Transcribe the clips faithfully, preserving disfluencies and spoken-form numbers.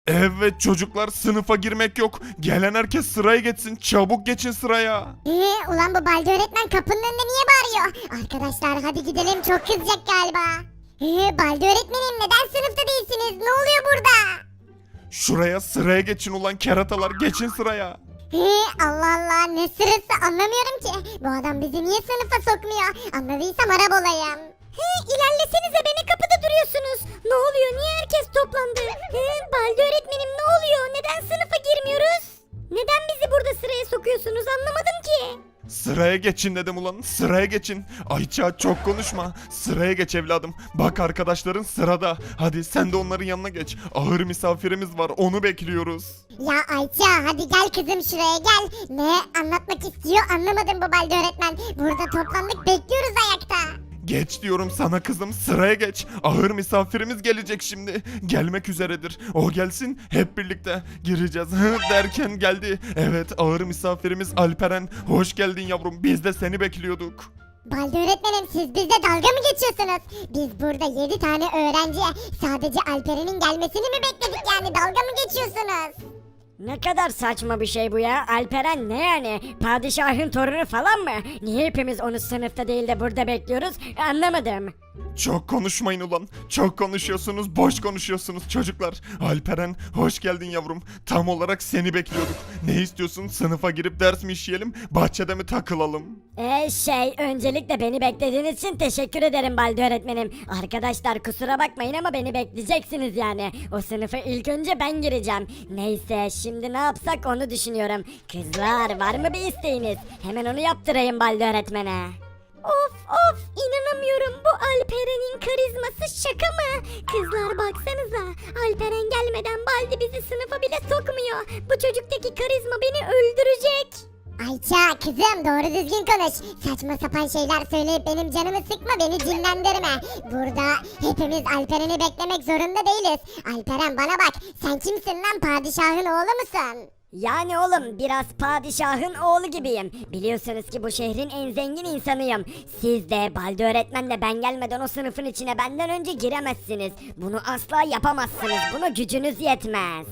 Evet çocuklar, sınıfa girmek yok. Gelen herkes sıraya geçsin. Çabuk geçin sıraya. Ee, ulan bu Baldi öğretmen kapının önünde niye bağırıyor? Arkadaşlar hadi gidelim, çok kızacak galiba. Ee, Baldi öğretmenim neden sınıfta değilsiniz? Ne oluyor burada? Şuraya sıraya geçin ulan keratalar, geçin sıraya. Ee, Allah Allah, ne sırası anlamıyorum ki. Bu adam bizi niye sınıfa sokmuyor? Anladıysam araba olayım. He, ilerlesenize, beni kapıda duruyorsunuz. Ne oluyor, niye herkes toplandı? He, Baldi öğretmenim ne oluyor? Neden sınıfa girmiyoruz? Neden bizi burada sıraya sokuyorsunuz, anlamadım ki. Sıraya geçin dedim ulan, sıraya geçin. Ayça çok konuşma, sıraya geç evladım. Bak arkadaşların sırada. Hadi sen de onların yanına geç. Ağır misafirimiz var, onu bekliyoruz. Ya Ayça hadi gel kızım şuraya gel. Ne anlatmak istiyor anlamadım bu Baldi öğretmen. Burada toplandık, bekliyoruz ayakta. Geç diyorum sana kızım, sıraya geç. Ağır misafirimiz gelecek şimdi. Gelmek üzeredir. O gelsin, hep birlikte gireceğiz. Hı derken geldi. Evet, ağır misafirimiz Alperen. Hoş geldin yavrum. Biz de seni bekliyorduk. Baldi öğretmenim, siz bizle dalga mı geçiyorsunuz? Biz burada yedi tane öğrenciye sadece Alperen'in gelmesini mi bekledik, yani dalga mı geçiyorsunuz? Ne kadar saçma bir şey bu ya. Alperen ne yani? Padişahın torunu falan mı? Niye hepimiz onu sınıfta değil de burada bekliyoruz? Anlamadım. Çok konuşmayın ulan. Çok konuşuyorsunuz, boş konuşuyorsunuz çocuklar. Alperen, hoş geldin yavrum. Tam olarak seni bekliyorduk. Ne istiyorsun? Sınıfa girip ders mi işleyelim, bahçede mi takılalım? Ee şey, öncelikle beni beklediğiniz için teşekkür ederim Baldi öğretmenim. Arkadaşlar kusura bakmayın ama beni bekleyeceksiniz yani. O sınıfa ilk önce ben gireceğim. Neyse, şimdi ne yapsak onu düşünüyorum. Kızlar, var mı bir isteğiniz? Hemen onu yaptırayım Baldi öğretmene. Of of, inanamıyorum, bu Alperen'in karizması şaka mı? Kızlar baksanıza, Alperen gelmeden Baldi bizi sınıfa bile sokmuyor. Bu çocuktaki karizma beni öldürecek. Ayça kızım, doğru düzgün konuş. Saçma sapan şeyler söyleyip benim canımı sıkma, beni cinlendirme. Burada hepimiz Alperen'i beklemek zorunda değiliz. Alperen bana bak, sen kimsin lan, padişahın oğlu musun? Yani oğlum, biraz padişahın oğlu gibiyim. Biliyorsunuz ki bu şehrin en zengin insanıyım. Siz de Baldi öğretmenle ben gelmeden o sınıfın içine benden önce giremezsiniz. Bunu asla yapamazsınız. Buna gücünüz yetmez.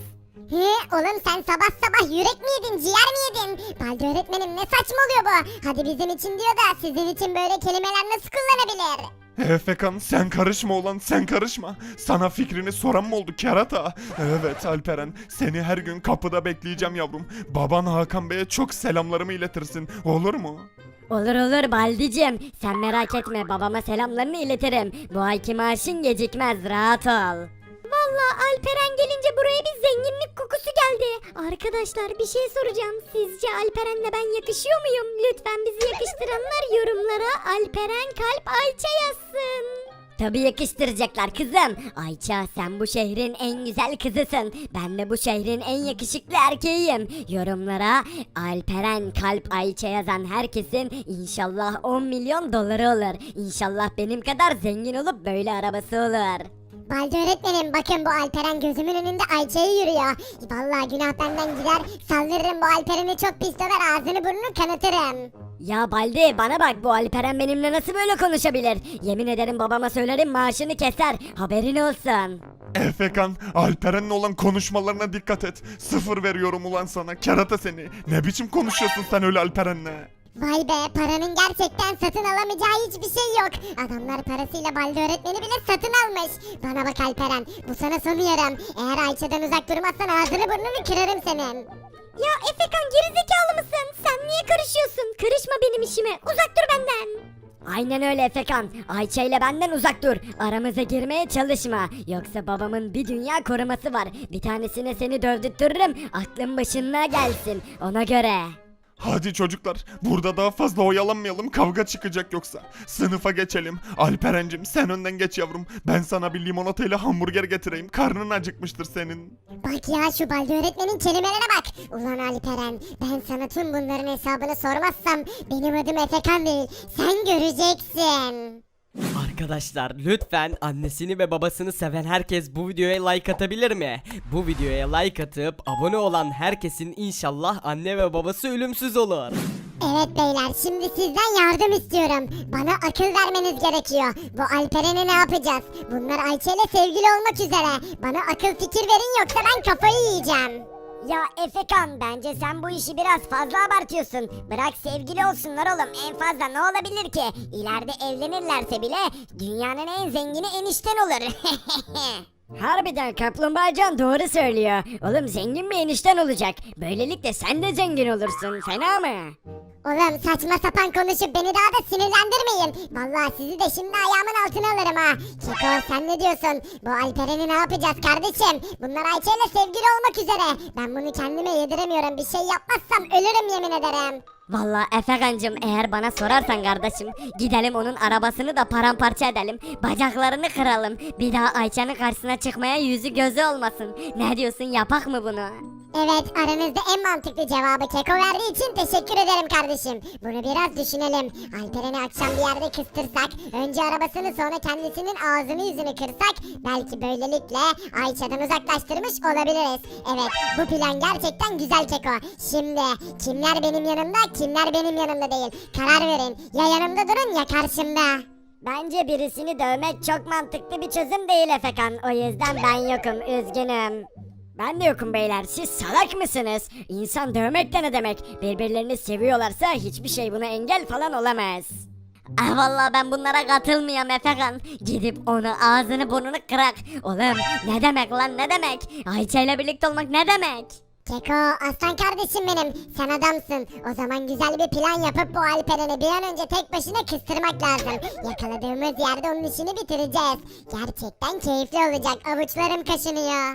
He oğlum, sen sabah sabah yürek mi yedin, ciğer mi yedin? Baldi öğretmenim ne saçmalıyor bu? Hadi bizim için diyor da sizin için böyle kelimeler nasıl kullanabilir? Efekan, sen karışma ulan, sen karışma. Sana fikrini soran mı oldu kerata? Evet Alperen, seni her gün kapıda bekleyeceğim yavrum. Baban Hakan Bey'e çok selamlarımı iletirsin, olur mu? Olur olur Baldicim. Sen merak etme, babama selamlarını iletirim. Bu ayki maaşın gecikmez, rahat ol. Vallahi Alperen gelince buraya bir zenginlik kokusu geldi. Arkadaşlar bir şey soracağım. Sizce Alperen'le ben yakışıyor muyum? Lütfen bizi yakıştıranlar yorumlara Alperen kalp Ayça yazsın. Tabii yakıştıracaklar kızım. Ayça, sen bu şehrin en güzel kızısın. Ben de bu şehrin en yakışıklı erkeğiyim. Yorumlara Alperen kalp Ayça yazan herkesin inşallah on milyon doları olur. İnşallah benim kadar zengin olup böyle arabası olur. Baldi öğretmenim, bakın bu Alperen gözümün önünde Ayça'yı yürüyor. Vallahi günah benden gider, saldırırım bu Alperen'i, çok pis döver, ağzını burnunu kanatırım. Ya Baldi, bana bak, bu Alperen benimle nasıl böyle konuşabilir? Yemin ederim babama söylerim, maaşını keser, haberin olsun. Efekan, Alperen'le olan konuşmalarına dikkat et. Sıfır veriyorum ulan sana, kerata seni. Ne biçim konuşuyorsun sen öyle Alperen'le? Vay be, paranın gerçekten satın alamayacağı hiçbir şey yok. Adamlar parasıyla Baldi öğretmeni bile satın almış. Bana bak Alperen, bu sana son uyarım. Eğer Ayça'dan uzak durmazsan ağzını burnunu kırarım senin. Ya Efekan, gerizekalı mısın? Sen niye karışıyorsun? Karışma benim işime, uzak dur benden. Aynen öyle Efekan. Ayça ile benden uzak dur. Aramıza girmeye çalışma. Yoksa babamın bir dünya koruması var. Bir tanesine seni dövdürtürürüm. Aklın başına gelsin. Ona göre. Hadi çocuklar, burada daha fazla oyalanmayalım, kavga çıkacak yoksa. Sınıfa geçelim. Alperen'cim sen önden geç yavrum. Ben sana bir limonatayla hamburger getireyim. Karnın acıkmıştır senin. Bak ya, şu Baldi öğretmenin kelimelere bak. Ulan Alperen, ben sana tüm bunların hesabını sormazsam benim adım Efekan değil, sen göreceksin. Arkadaşlar lütfen annesini ve babasını seven herkes bu videoya like atabilir mi? Bu videoya like atıp abone olan herkesin inşallah anne ve babası ölümsüz olur. Evet beyler, şimdi sizden yardım istiyorum. Bana akıl vermeniz gerekiyor. Bu Alperen'i ne yapacağız? Bunlar Ayça ile sevgili olmak üzere. Bana akıl fikir verin yoksa ben kafayı yiyeceğim. Ya Efekan, bence sen bu işi biraz fazla abartıyorsun. Bırak sevgili olsunlar oğlum, en fazla ne olabilir ki? İleride evlenirlerse bile dünyanın en zengini enişten olur. Harbiden Kaplumbağacan doğru söylüyor. Oğlum zengin bir enişten olacak. Böylelikle sen de zengin olursun. Fena mı? Oğlum saçma sapan konuşup beni daha da sinirlendirmeyin. Vallahi sizi de şimdi ayağımın altına alırım ha. Keko sen ne diyorsun? Bu Alperen'i ne yapacağız kardeşim? Bunlar Ayça ile sevgili olmak üzere. Ben bunu kendime yediremiyorum. Bir şey yapmazsam ölürüm yemin ederim. Vallahi Efekancım, eğer bana sorarsan kardeşim, gidelim onun arabasını da paramparça edelim. Bacaklarını kıralım. Bir daha Ayça'nın karşısına çıkmaya yüzü gözü olmasın. Ne diyorsun, yapak mı bunu? Evet, aranızda en mantıklı cevabı Keko verdiği için teşekkür ederim kardeşim. Bunu biraz düşünelim. Alperen'i akşam bir yerde kıstırsak, önce arabasını sonra kendisinin ağzını yüzünü kırsak, belki böylelikle Ayça'dan uzaklaştırmış olabiliriz. Evet, bu plan gerçekten güzel Keko. Şimdi kimler benim yanımda, kimler benim yanımda değil. Karar verin. Ya yanımda durun ya karşımda. Bence birisini dövmek çok mantıklı bir çözüm değil Efekan. O yüzden ben yokum, üzgünüm. Ben de yokum beyler. Siz salak mısınız? İnsan dövmek de ne demek? Birbirlerini seviyorlarsa hiçbir şey buna engel falan olamaz. Ah vallahi ben bunlara katılmıyorum Efekan. Gidip onu ağzını burnunu kırak. Oğlum ne demek lan, ne demek? Ayça ile birlikte olmak ne demek? Keko, aslan kardeşim benim. Sen adamsın. O zaman güzel bir plan yapıp bu Alperen'i bir an önce tek başına kıstırmak lazım. Yakaladığımız yerde onun işini bitireceğiz. Gerçekten keyifli olacak. Avuçlarım kaşınıyor.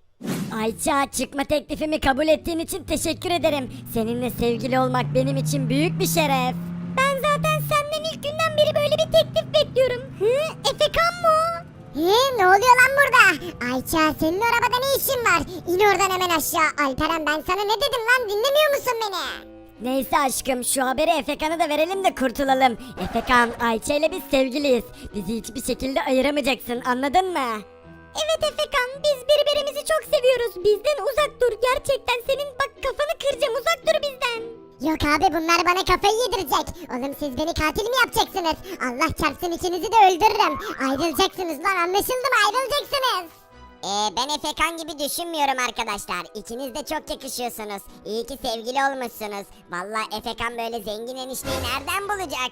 Ayça, çıkma teklifimi kabul ettiğin için teşekkür ederim. Seninle sevgili olmak benim için büyük bir şeref. Ben zaten senden ilk günden beri böyle bir teklif bekliyorum. Hı? Efekan mı o? He, ne oluyor lan burada? Ayça, senin arabada ne işin var? İn oradan hemen aşağı. Alperen, ben sana ne dedim lan, dinlemiyor musun beni? Neyse aşkım, şu haberi Efekan'a da verelim de kurtulalım. Efekan, Ayça ile biz sevgiliyiz. Bizi hiçbir şekilde ayıramayacaksın, anladın mı? Evet Efekan, biz birbirimizi çok seviyoruz. Bizden uzak dur. Gerçekten senin bak kafanı kıracağım. Uzak dur bizden. Yok abi, bunlar bana kafayı yedirecek. Oğlum siz beni katil mi yapacaksınız? Allah çarpsın, ikinizi de öldürürüm. Ayrılacaksınız lan, anlaşıldı mı? Ayrılacaksınız. Ee, ben Efekan gibi düşünmüyorum arkadaşlar. İkiniz de çok yakışıyorsunuz. İyi ki sevgili olmuşsunuz. Vallahi Efekan böyle zengin enişteyi nereden bulacak?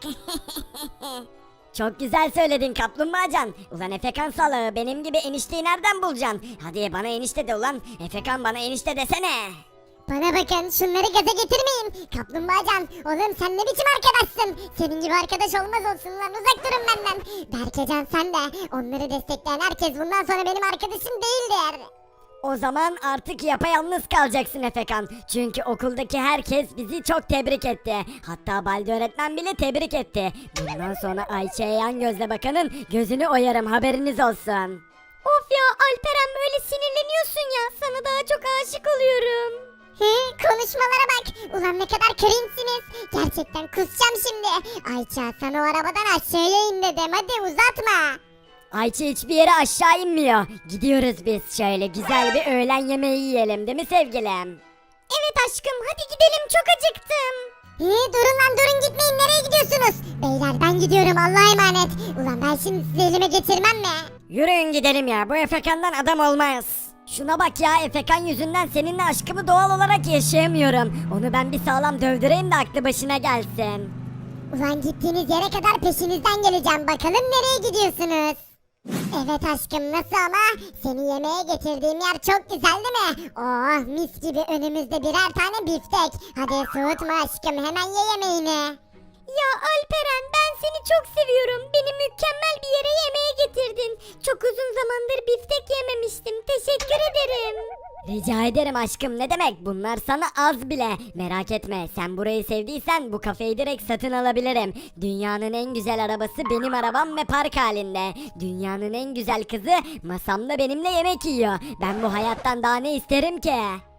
Çok güzel söyledin Kaplumbağacan. Ulan Efekan salağı, benim gibi enişteyi nereden bulacaksın? Hadi bana enişte de ulan. Efekan bana enişte desene. Bana bakın, şunları gaza getirmeyin. Kaplumbağacan, oğlum sen ne biçim arkadaşsın? Senin gibi arkadaş olmaz olsun lan, uzak durun benden. Berkecan sen de. Onları destekleyen herkes bundan sonra benim arkadaşım değildir. O zaman artık yapayalnız kalacaksın Efekan. Çünkü okuldaki herkes bizi çok tebrik etti. Hatta Baldi öğretmen bile tebrik etti. Bundan sonra Ayça'ya yan gözle bakanın gözünü oyarım, haberiniz olsun. Of ya Alperen, böyle sinirleniyorsun ya. Sana daha çok aşık oluyorum. He, konuşmalara bak. Ulan ne kadar cringe'siniz. Gerçekten kusacağım şimdi. Ayça, sana o arabadan aşağıya in dedim. Hadi uzatma. Ayça hiçbir yere aşağı inmiyor. Gidiyoruz biz, şöyle güzel bir öğlen yemeği yiyelim, değil mi sevgilim? Evet aşkım, hadi gidelim, çok acıktım. He, durun lan durun, gitmeyin, nereye gidiyorsunuz? Beyler ben gidiyorum, Allah'a emanet. Ulan ben şimdi sizi elime geçirmem mi? Yürüyün gidelim ya, bu Efekan'dan adam olmaz. Şuna bak ya, Efekan yüzünden seninle aşkımı doğal olarak yaşayamıyorum. Onu ben bir sağlam dövdüreyim de aklı başına gelsin. Ulan gittiğiniz yere kadar peşinizden geleceğim. Bakalım nereye gidiyorsunuz? Evet aşkım, nasıl ama? Seni yemeğe getirdiğim yer çok güzel değil mi? Oh mis gibi, önümüzde birer tane biftek. Hadi soğutma aşkım, hemen ye yemeğini. Ya Alperen, ben seni çok seviyorum. Beni mükemmel bir yere yemeğe getirdin. Çok uzun zamandır biftek yememiştim. Teşekkür ederim. Rica ederim aşkım, ne demek, bunlar sana az bile. Merak etme, sen burayı sevdiysen bu kafeyi direkt satın alabilirim. Dünyanın en güzel arabası benim arabam ve park halinde. Dünyanın en güzel kızı masamda benimle yemek yiyor. Ben bu hayattan daha ne isterim ki?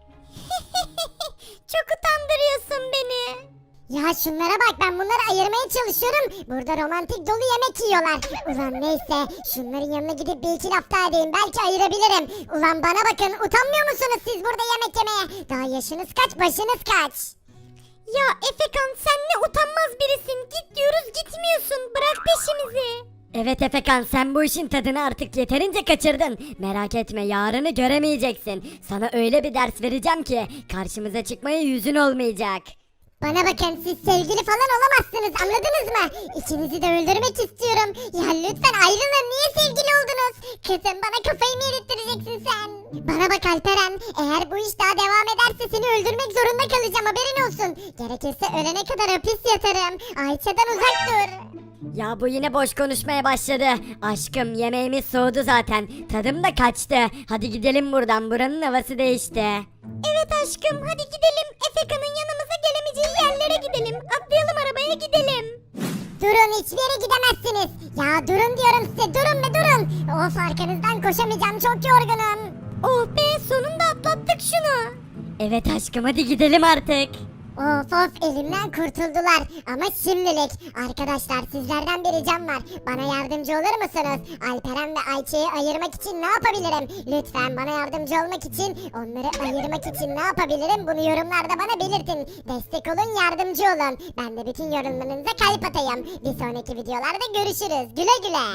Çok utandırıyorsun beni. Ya şunlara bak, ben bunları ayırmaya çalışıyorum. Burada romantik dolu yemek yiyorlar. Ulan neyse, şunların yanına gidip bir iki laf daha edeyim, belki ayırabilirim. Ulan bana bakın, utanmıyor musunuz siz burada yemek yemeye? Daha yaşınız kaç, başınız kaç? Ya Efekan sen ne utanmaz birisin. Git diyoruz gitmiyorsun. Bırak peşimizi. Evet Efekan, sen bu işin tadını artık yeterince kaçırdın. Merak etme, yarını göremeyeceksin. Sana öyle bir ders vereceğim ki karşımıza çıkmaya yüzün olmayacak. Bana bakın, siz sevgili falan olamazsınız, anladınız mı? İkinizi de öldürmek istiyorum. Ya lütfen ayrılın, niye sevgili oldunuz? Kızım, bana kafayı mı yedirttireceksin sen? Bana bak Alperen, eğer bu iş daha devam ederse seni öldürmek zorunda kalacağım, haberin olsun. Gerekirse ölene kadar hapis yatarım. Ayça'dan uzak dur. Ya bu yine boş konuşmaya başladı. Aşkım, yemeğimiz soğudu zaten. Tadım da kaçtı. Hadi gidelim buradan, buranın havası değişti. Evet aşkım, hadi gidelim. Efekan'ın yanımıza gelemeyeceği yerlere gidelim. Atlayalım arabaya gidelim. Durun, hiçbir yere gidemezsiniz. Ya durun diyorum size, durun be durun. Of, arkanızdan koşamayacağım, çok yorgunum. Oh be, sonunda atlattık şunu. Evet aşkım, hadi gidelim artık. Of of, elimden kurtuldular ama şimdilik. Arkadaşlar, sizlerden bir ricam var, bana yardımcı olur musunuz? Alperen ve Ayça'yı ayırmak için ne yapabilirim? Lütfen bana yardımcı olmak için, onları ayırmak için ne yapabilirim? Bunu yorumlarda bana belirtin. Destek olun, yardımcı olun. Ben de bütün yorumlarınıza kalp atayım. Bir sonraki videolarda görüşürüz. Güle güle.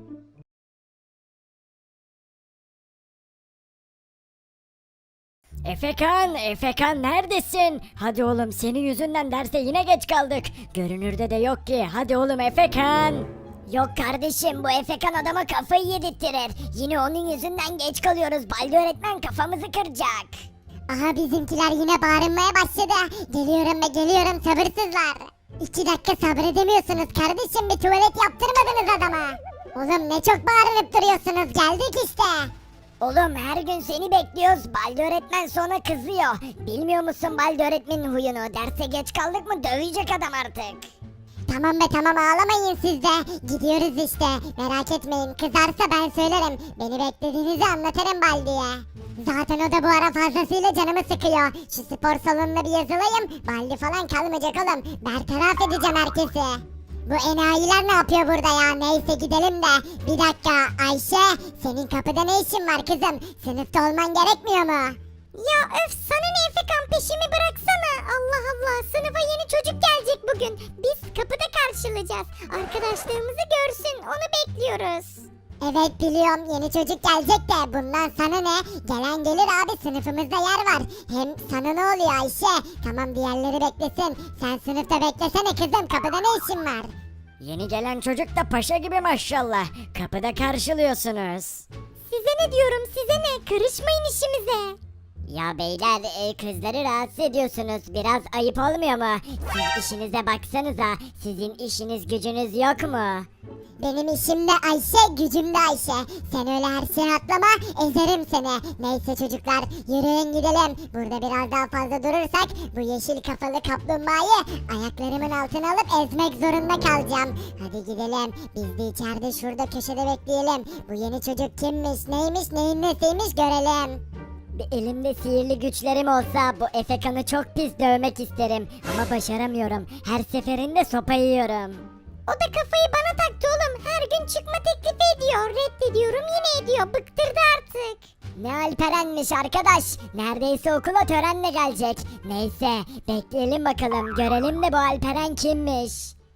Efekan, Efekan neredesin? Hadi oğlum, senin yüzünden derse yine geç kaldık. Görünürde de yok ki. Hadi oğlum Efekan. Yok kardeşim, bu Efekan adama kafayı yedirttirir. Yine onun yüzünden geç kalıyoruz. Baldi öğretmen kafamızı kıracak. Aha, bizimkiler yine bağırmaya başladı. Geliyorum ve geliyorum, sabırsızlar. İki dakika sabredemiyorsunuz kardeşim, bir tuvalet yaptırmadınız adama. Oğlum ne çok bağırıp duruyorsunuz, geldik işte. Oğlum her gün seni bekliyoruz. Baldi öğretmen sonra kızıyor. Bilmiyor musun Baldi öğretmenin huyunu? Derse geç kaldık mı dövecek adam artık. Tamam be tamam, ağlamayın siz de. Gidiyoruz işte, merak etmeyin, kızarsa ben söylerim. Beni beklediğinizi anlatırım Baldi'ye. Zaten o da bu ara fazlasıyla canımı sıkıyor. Şu spor salonuna bir yazılayım. Baldi falan kalmayacak oğlum. Bertaraf edeceğim herkesi. Bu enayiler ne yapıyor burada ya? Neyse gidelim de. Bir dakika Ayşe, senin kapıda ne işin var kızım? Sınıfta olman gerekmiyor mu? Ya öf, sana ne Efekan, peşimi bıraksana. Allah Allah, sınıfa yeni çocuk gelecek bugün. Biz kapıda karşılayacağız. Arkadaşlarımızı görsün, onu bekliyoruz. Evet biliyorum, yeni çocuk gelecek de bundan sana ne? Gelen gelir abi, sınıfımızda yer var. Hem sana ne oluyor Ayşe? Tamam, diğerleri beklesin. Sen sınıfta beklesene kızım, kapıda ne işin var? Yeni gelen çocuk da paşa gibi maşallah. Kapıda karşılıyorsunuz. Size ne diyorum, size ne? Karışmayın işimize. Ya beyler, e, kızları rahatsız ediyorsunuz. Biraz ayıp olmuyor mu? Siz işinize baksanıza. Sizin işiniz gücünüz yok mu? Benim işim de Ayşe, gücüm de Ayşe. Sen öyle her şeye atlama, ezerim seni. Neyse çocuklar, yürüyün gidelim. Burada biraz daha fazla durursak bu yeşil kafalı kaplumbağayı ayaklarımın altına alıp ezmek zorunda kalacağım. Hadi gidelim, biz de içeride şurada köşede bekleyelim. Bu yeni çocuk kimmiş, neymiş, neyin nesiymiş görelim. Bir elimde sihirli güçlerim olsa bu Efekan'ı çok pis dövmek isterim. Ama başaramıyorum. Her seferinde sopa yiyorum. O da kafayı bana taktı oğlum. Her gün çıkma teklifi ediyor. Reddediyorum, yine ediyor. Bıktırdı artık. Ne Alperen'miş arkadaş. Neredeyse okula törenle gelecek. Neyse bekleyelim bakalım. Görelim de bu Alperen kimmiş.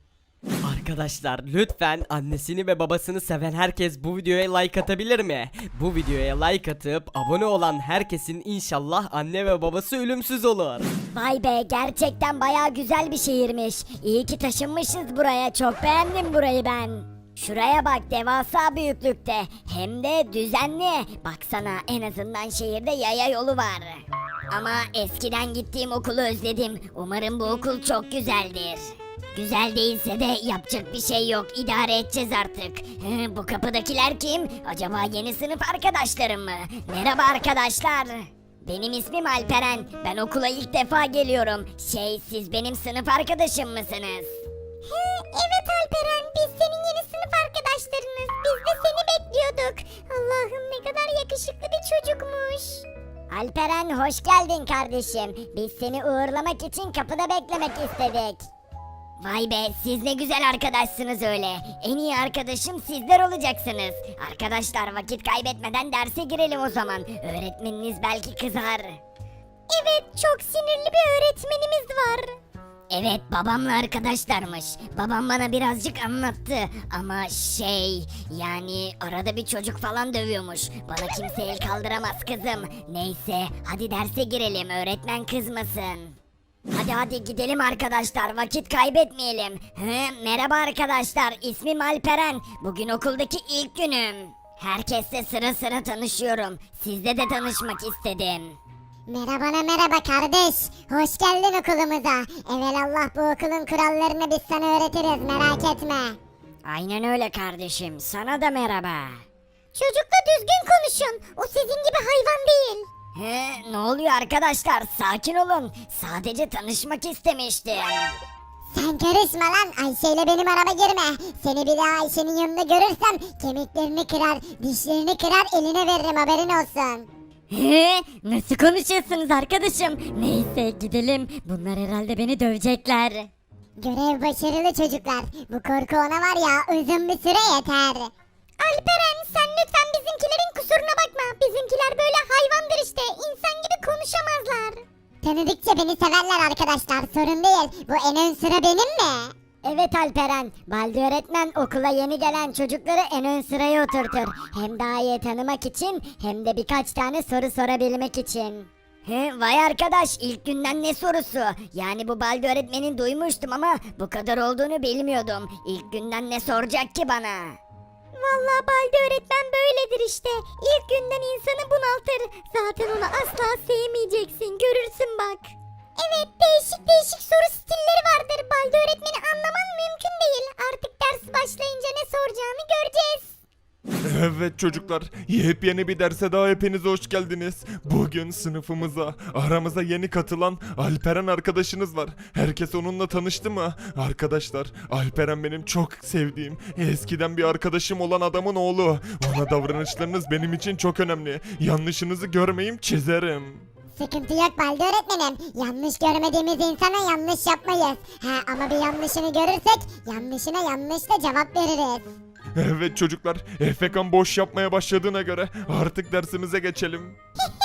Arkadaşlar lütfen annesini ve babasını seven herkes bu videoya like atabilir mi? Bu videoya like atıp abone olan herkesin inşallah anne ve babası ölümsüz olur. Vay be, gerçekten baya güzel bir şehirmiş. İyi ki taşınmışız buraya, çok beğendim burayı ben. Şuraya bak, devasa büyüklükte, hem de düzenli. Baksana, en azından şehirde yaya yolu var. Ama eskiden gittiğim okulu özledim. Umarım bu okul çok güzeldir. Güzel değilse de yapacak bir şey yok, idare edeceğiz artık. Hı, bu kapıdakiler kim? Acaba yeni sınıf arkadaşlarım mı? Merhaba arkadaşlar. Benim ismim Alperen. Ben okula ilk defa geliyorum. Şey, siz benim sınıf arkadaşım mısınız? He, evet Alperen, biz senin yeni sınıf arkadaşlarınız. Biz de seni bekliyorduk. Allah'ım, ne kadar yakışıklı bir çocukmuş. Alperen hoş geldin kardeşim. Biz seni uğurlamak için kapıda beklemek istedik. Vay be, siz ne güzel arkadaşsınız öyle. En iyi arkadaşım sizler olacaksınız. Arkadaşlar, vakit kaybetmeden derse girelim o zaman. Öğretmeniniz belki kızar. Evet, çok sinirli bir öğretmenimiz var. Evet babamla arkadaşlarmış. Babam bana birazcık anlattı ama şey yani arada bir çocuk falan dövüyormuş. Bana kimse el kaldıramaz kızım. Neyse hadi derse girelim öğretmen kızmasın. Hadi hadi gidelim arkadaşlar vakit kaybetmeyelim. Hı, merhaba arkadaşlar ismim Alperen. Bugün okuldaki ilk günüm. Herkesle sıra sıra tanışıyorum. Sizle de tanışmak istedim. Merhabana merhaba kardeş. Hoş geldin okulumuza. Evelallah bu okulun kurallarını biz sana öğretiriz merak etme. Aynen öyle kardeşim sana da merhaba. Çocukla düzgün konuşun. O sizin gibi hayvan değil. He, ne oluyor arkadaşlar? Sakin olun. Sadece tanışmak istemiştim. Sen karışma lan. Ayşe ile benim arama girme. Seni bir daha Ayşe'nin yanında görürsem kemiklerini kırar, dişlerini kırar, eline veririm haberin olsun. He, nasıl konuşuyorsunuz arkadaşım? Neyse gidelim. Bunlar herhalde beni dövecekler. Görev başarılı çocuklar. Bu korku ona var ya uzun bir süre yeter. Alperen sen lütfen bizimkilerin kusuruna bakma. Bizimkiler böyle hayvandır işte. İnsan gibi konuşamazlar. Tanıdıkça beni severler arkadaşlar. Sorun değil. Bu en ön sıra benim mi? Evet Alperen, Baldi öğretmen okula yeni gelen çocukları en ön sıraya oturtur. Hem daha iyi tanımak için hem de birkaç tane soru sorabilmek için. He, vay arkadaş ilk günden ne sorusu? Yani bu Baldi öğretmenin duymuştum ama bu kadar olduğunu bilmiyordum. İlk günden ne soracak ki bana? Vallahi Baldi öğretmen böyledir işte. İlk günden insanı bunaltır. Zaten onu asla sevmeyeceksin. Görürsün bak. Evet değişik değişik soru stilleri vardır. Baldi öğretmeni anlaman mümkün değil. Artık ders başlayınca ne soracağını göreceğiz. Evet çocuklar, yepyeni bir derse daha hepiniz hoş geldiniz. Bugün sınıfımıza, aramıza yeni katılan Alperen arkadaşınız var. Herkes onunla tanıştı mı? Arkadaşlar, Alperen benim çok sevdiğim, eskiden bir arkadaşım olan adamın oğlu. Ona davranışlarınız benim için çok önemli. Yanlışınızı görmeyeyim, çizerim. Sıkıntı yok Baldi öğretmenim. Yanlış görmediğimiz insana yanlış yapmayız. Ha, ama bir yanlışını görürsek yanlışına yanlışla cevap veririz. Evet çocuklar, Efekan boş yapmaya başladığına göre artık dersimize geçelim.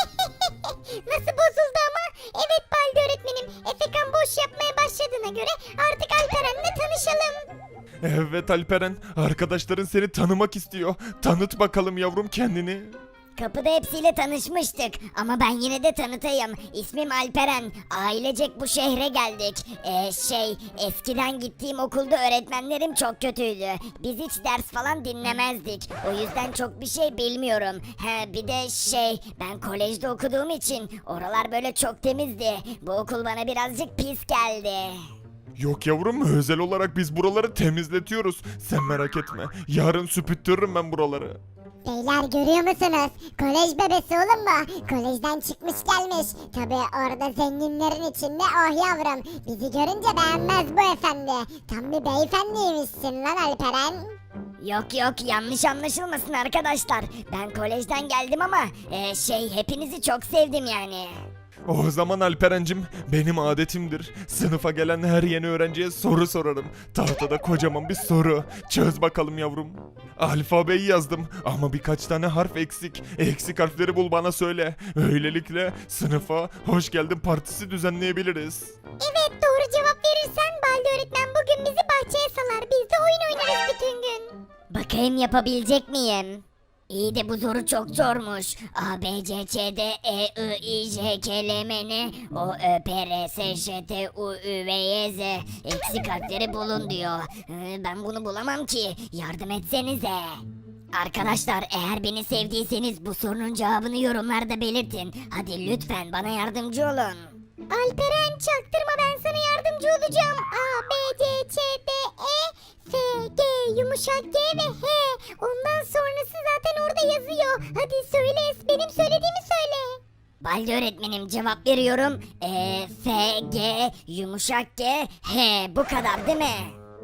Nasıl bozuldu ama? Evet Baldi öğretmenim. Efekan boş yapmaya başladığına göre artık Alperen'le tanışalım. Evet Alperen, arkadaşların seni tanımak istiyor. Tanıt bakalım yavrum kendini. Kapıda hepsiyle tanışmıştık ama ben yine de tanıtayım. İsmim Alperen. Ailecek bu şehre geldik. Ee, şey eskiden gittiğim okulda öğretmenlerim çok kötüydü. Biz hiç ders falan dinlemezdik. O yüzden çok bir şey bilmiyorum. He, bir de şey ben kolejde okuduğum için oralar böyle çok temizdi. Bu okul bana birazcık pis geldi. Yok yavrum, özel olarak biz buraları temizletiyoruz. Sen merak etme, yarın süpürtürürüm ben buraları. Beyler görüyor musunuz? Kolej bebesi oğlum bu. Kolejden çıkmış gelmiş. Tabi orada zenginlerin içinde oh yavrum. Bizi görünce beğenmez bu efendi. Tam bir beyefendiymişsin lan Alperen. Yok yok yanlış anlaşılmasın arkadaşlar. Ben kolejden geldim ama e, şey hepinizi çok sevdim yani. O zaman Alperencim, benim adetimdir. Sınıfa gelen her yeni öğrenciye soru sorarım. Tahtada kocaman bir soru. Çöz bakalım yavrum. Alfabeyi yazdım ama birkaç tane harf eksik. Eksik harfleri bul bana söyle. Öylelikle sınıfa hoş geldin partisi düzenleyebiliriz. Evet doğru cevap verirsen Baldi öğretmen bugün bizi bahçeye salar. Biz de oyun oynarız bütün gün. Bakayım yapabilecek miyim? İyi de bu soru çok zormuş. A, B, C, Ç, D, E, I, I, J, K, L, M, N, O, Ö, P, R, S, Ş, T, U, Ü, V, Y, Z. Eksik harfleri bulun diyor. Ee, Ben bunu bulamam ki. Yardım etsenize. Arkadaşlar eğer beni sevdiyseniz bu sorunun cevabını yorumlarda belirtin. Hadi lütfen bana yardımcı olun. Alperen çaktırma ben sana yardımcı olacağım. A, B, C, Ç, D, E, F, G, yumuşak G ve H. Ondan sonrası zaten orada yazıyor. Hadi söyle benim söylediğimi söyle. Baldi öğretmenim cevap veriyorum. E, F, G, yumuşak G, H. Bu kadar değil mi?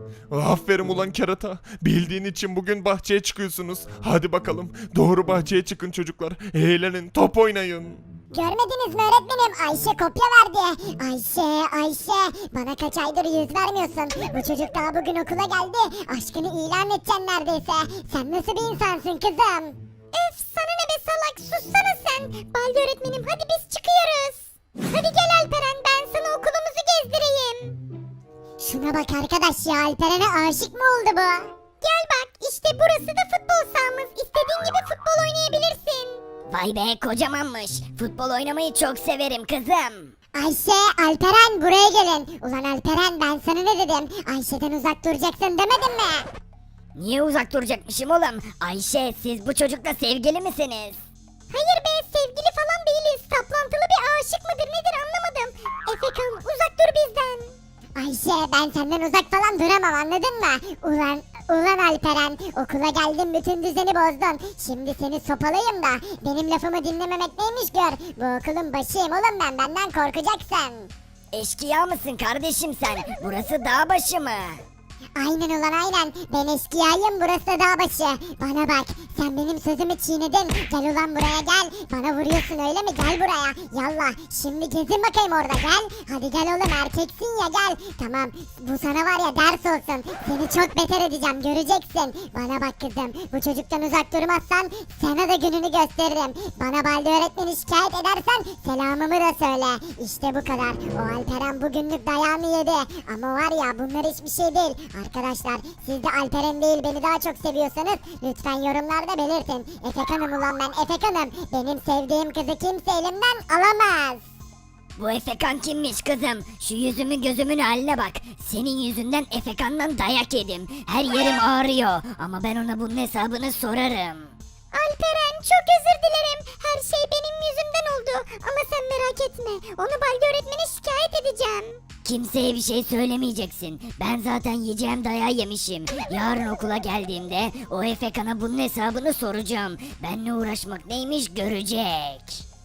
Aferin ulan kerata. Bildiğin için bugün bahçeye çıkıyorsunuz. Hadi bakalım. Doğru bahçeye çıkın çocuklar. Eğlenin, top oynayın. Görmediniz mi öğretmenim? Ayşe kopya verdi. Ayşe, Ayşe. Bana kaç aydır yüz vermiyorsun. Bu çocuk daha bugün okula geldi. Aşkını ilan edeceksin neredeyse. Sen nasıl bir insansın kızım? Öf sana ne be salak. Sussana sen. Baldi öğretmenim hadi biz çıkıyoruz. Hadi gel Alperen ben sana okulumuzu gezdireyim. bak arkadaş ya, Alperen'e aşık mı oldu bu? Gel bak, işte burası da futbol sahamız. İstediğin gibi futbol oynayabilirsin. Vay be, kocamanmış. Futbol oynamayı çok severim kızım. Ayşe, Alperen buraya gelin. Ulan Alperen, ben sana ne dedim? Ayşe'den uzak duracaksın demedim mi? Niye uzak duracakmışım oğlum? Ayşe, siz bu çocukla sevgili misiniz? Hayır be, sevgili falan değiliz. Saplantılı bir aşık mıdır nedir anlamadım. Efekan, uzak dur bizden. Ayşe, ben senden uzak falan duramam, anladın mı? Ulan ulan Alperen, okula geldim bütün düzeni bozdun. Şimdi seni sopalayayım da benim lafımı dinlememek neymiş gör. Bu okulun başıyım oğlum ben, benden korkacaksın. Eşkıya mısın kardeşim sen? Burası dağ başı mı? Aynen ulan aynen. Ben eşkıyayım, burası da dağ başı. Bana bak, sen benim sözümü çiğnedin. Gel ulan buraya gel. Bana vuruyorsun öyle mi? Gel buraya. Yallah. Şimdi gezin bakayım orada, gel. Hadi gel oğlum, erkeksin ya, gel. Tamam, bu sana var ya ders olsun. Seni çok beter edeceğim, göreceksin. Bana bak kızım, bu çocuktan uzak durmazsan sana da gününü gösteririm. Bana Balde öğretmeni şikayet edersen selamımı da söyle. İşte bu kadar. O Alperen bugünlük dayağımı yedi. Ama var ya, bunlar hiçbir şey değil. Arkadaşlar, siz de Alperen değil beni daha çok seviyorsanız lütfen yorumlarda belirtin. Efekan'ım ulan ben, Efekan'ım. Benim sevdiğim kızı kimse elimden alamaz. Bu Efekan kimmiş kızım? Şu yüzümün gözümün haline bak. Senin yüzünden Efekan'dan dayak yedim. Her yerim ağrıyor. Ama ben ona bunun hesabını sorarım. Alperen, çok özür dilerim. Her şey benim yüzümden oldu. Ama sen merak etme. Onu Balde öğretmene şikayet edeceğim. Kimseye bir şey söylemeyeceksin. Ben zaten yiyeceğim dayağı yemişim. Yarın okula geldiğimde o Efekan'a bunun hesabını soracağım. Benle uğraşmak neymiş görecek.